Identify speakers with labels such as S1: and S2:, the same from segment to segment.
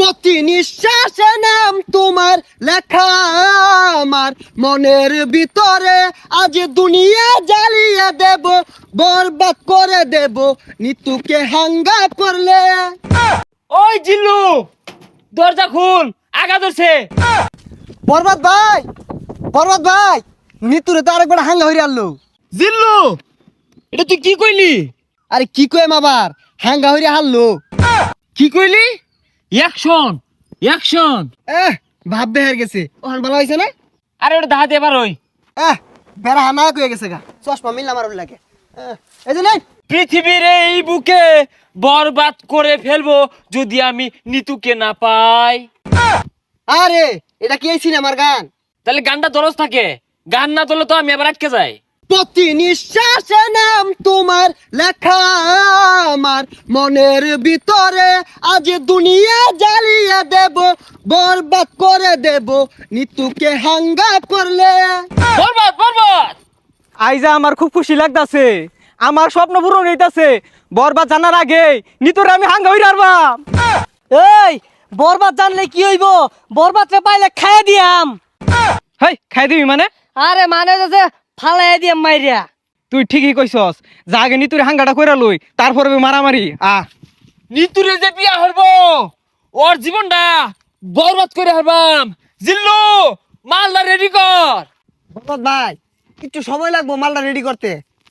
S1: প্রতি নিঃশ্বাসে নাম তোমার লেখা আমার মনের ভিতরে, আজ দুনিয়া জ্বালিয়ে দেব, বরবাদ করে দেব নিতুকে হাঙ্গা করলে।
S2: ওই জিল্লু, দরজা খুল, আগা ধরছে।
S1: বরবাদ ভাই, বরবাদ ভাই, নিতুরে তো আরেকবার হাঙ্গা হইরে আনলো।
S2: জিল্লু, এটা তুই কি কইলি?
S1: আরে কি কইম আবার, হাঙ্গা হইরে হারলো।
S2: কি কইলি? Action, action.
S1: ভাব বেহার গেছে, ওখান ভালো হয়েছে না?
S2: আরে ওটা দাহাতে এবার ওই
S1: বেড়া হানা কয়ে গেছে গা, চশমা মিললাম আর লাগে। এই যে নেই,
S2: পৃথিবীর এই বুকে বরবাদ করে ফেলবো যদি আমি নিতুকে না পাই।
S1: আরে এটা কি এই সিনেমার গান?
S2: তাহলে গানটা দরজ থাকে, গান না তোলে তো আমি আবার আটকে যাই।
S1: প্রতি নিঃশ্বাসে নাম তোমার লেখা আমার মনের ভিতরে, আজ দুনিয়া জ্বালিয়ে দেব, বরবাদ করে দেব নিতুকে হাঙ্গা করলে।
S2: বরবাদ, বরবাদ।
S3: আইজা আমার খুব খুশি লাগতাছে, আমার স্বপ্ন পূরণ হইতাছে। বরবাদ জানার আগে নিতরে আমি হাঙ্গা হইরা আরবাম।
S4: এই বরবাদ জানলে কি হইব? বরবাদরে পাইলে খাইয়া দিয়াম।
S3: হেই, খাই দিবি মানে?
S4: আরে মানে যে ফালাই দিয়াম মাইরিয়া।
S3: তুই ঠিকই কইছস, যা আগে নিতুরে হাঙ্গাটা কইরা লই, তারপরে মারামারি।
S2: নিতুরে যে বিয়া হইব, ওর জীবনটা বরবাদ করে হারবাম। জিল্লু, মালদা রেডি কর।
S1: বরবাদ ভাই, একটু সময় লাগবো মালটা রেডি করতে।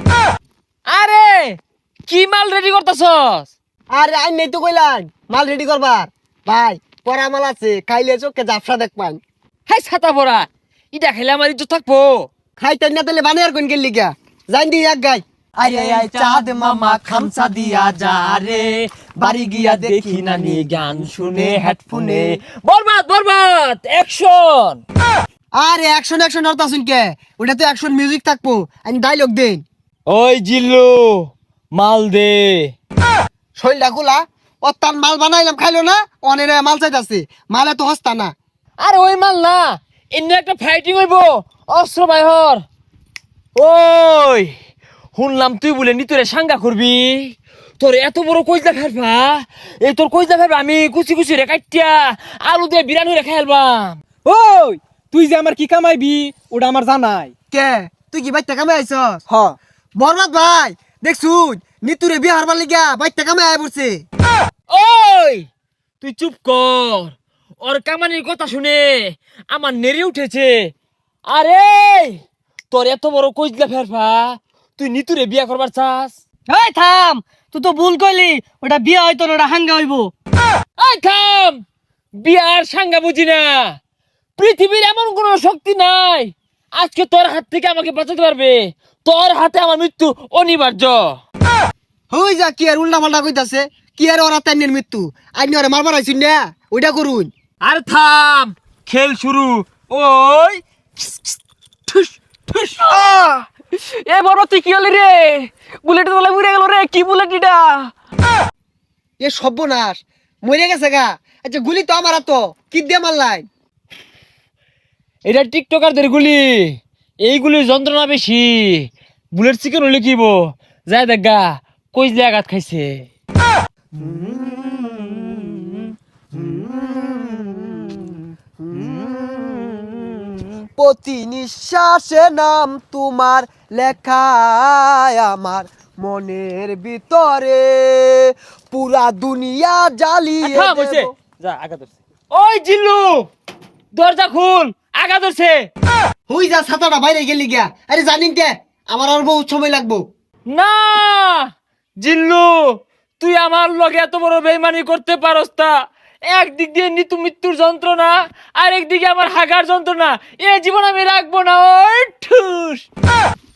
S2: আরে কি মাল রেডি করতেছস?
S1: আরে আই নেই তো কইলাম মাল রেডি করবার। ভাই পরা মাল আছে, খাইলে চোখে জাফসা দেখবান।
S2: হাই ছাতা পড়া, ইটা খেলে আমার ইজ্জত থাকবো।
S1: খাইতেন না তাহলে বানিয়ার কোন গেলি গা, জান দি এক গাই।
S5: আরে আয় চাঁদ মামা খামসা দিয়া যা রে, বাড়ি গিয়া দেখি নানি গান শুনে হেডফোনে।
S2: বরবাদ, বরবাদ, অ্যাকশন।
S1: আরে অ্যাকশন অ্যাকশন হরতা শুন কে, ওটা তো অ্যাকশন মিউজিক থাকবো, আমি ডায়লগ দেন।
S2: ওই জিল্লু, মাল দে।
S1: শৈলটা গুলা ও তার মাল বানাইলাম খাইলো না, অনেক মাল চাইতাছে, মালে তো হস্তা না।
S2: আরে ওই মাল না, এমনি একটা ফাইটিং হইব, অস্ত্র বাইহর। ওই শুনলাম তুই বলে নিতরে সাঙ্গা করবি, তোর এত বড় কইজা ফেলবা, এই তোর কইজা ফেলবা আমি কুচি কুচি রে কাটিয়া আলু দিয়ে বিরানি রে খাইলবাম।
S3: ওই তুই যে আমার কি কামাইবি ওটা আমার জানাই।
S1: কে তুই কি বাইতে কামে আইছস?
S3: হ,
S1: বরবাদ ভাই দেখছুন নিতুরে বিয়ে হারবার লিগা বাইতে কামে আয় পড়ছে।
S2: ওই তুই চুপ কর, ওর কামানির কথা শুনে আমার নেড়ে উঠেছে। আরে তোর এত বড় কইজলা ফেরফা, তুই নিতুরে বিয়া করবার চাস?
S4: এই থাম, তুই তো ভুল কইলি, ওটা বিয়া হইতো না, ওটা হাঙ্গা হইব।
S2: এই থাম, বিয়ার সাঙ্গা বুঝি না। পৃথিবীর এমন কোন শক্তি নাই আজকে তোর হাত থেকে আমাকে বাঁচাতে পারবে। তোর হাতে আমার মৃত্যু অনিবার্য।
S1: হই যা কি আর উল্টা পাল্টা কইতাছে, কি আর ওরা তাইনের মৃত্যু, আইনি ওরা মারবার আইছুন না, ওইটা করুন।
S2: আর থাম, খেল শুরু। ওই ঠুস ঠুস।
S3: এ বরবাদ তুই কি হলি রে? বুলেট তোলা উড়ে গেল রে, কি বুলেট এটা?
S1: এ সর্বনাশ, মরে গেছে গা। আচ্ছা গুলি তো আমার তো কি দিয়ে মারলাই?
S2: এটা টিকটকারদের গুলি, এইগুলির যন্ত্রণা বেশি। বুলেট চিকেন হলে কিব যায় দেখা কই যে আঘাত খাইছে।
S1: প্রতি নিঃশ্বাসে নাম তোমার লেখা আমার মনের ভিতরে, পুরা দুনিয়া জ্বালিয়ে
S2: থাম হইছে,
S1: দেব।
S2: যা আঘাত ধরছে। ওই জিল্লু, দরজা খুল, আঘাত ধরছে।
S1: হই যা ছাতাটা বাইরে গেলি গিয়া। আরে জানিন কে আমার আর বহুত সময় লাগবো।
S2: না জিল্লু, তুই আমার লগে এত বড় বেইমানি করতে পারস তা? একদিক দিয়ে নিতু মৃত্যুর যন্ত্রণা, আর একদিকে আমার হাগার যন্ত্রণা, এ জীবন আমি রাখবো না। ওই ঠুস।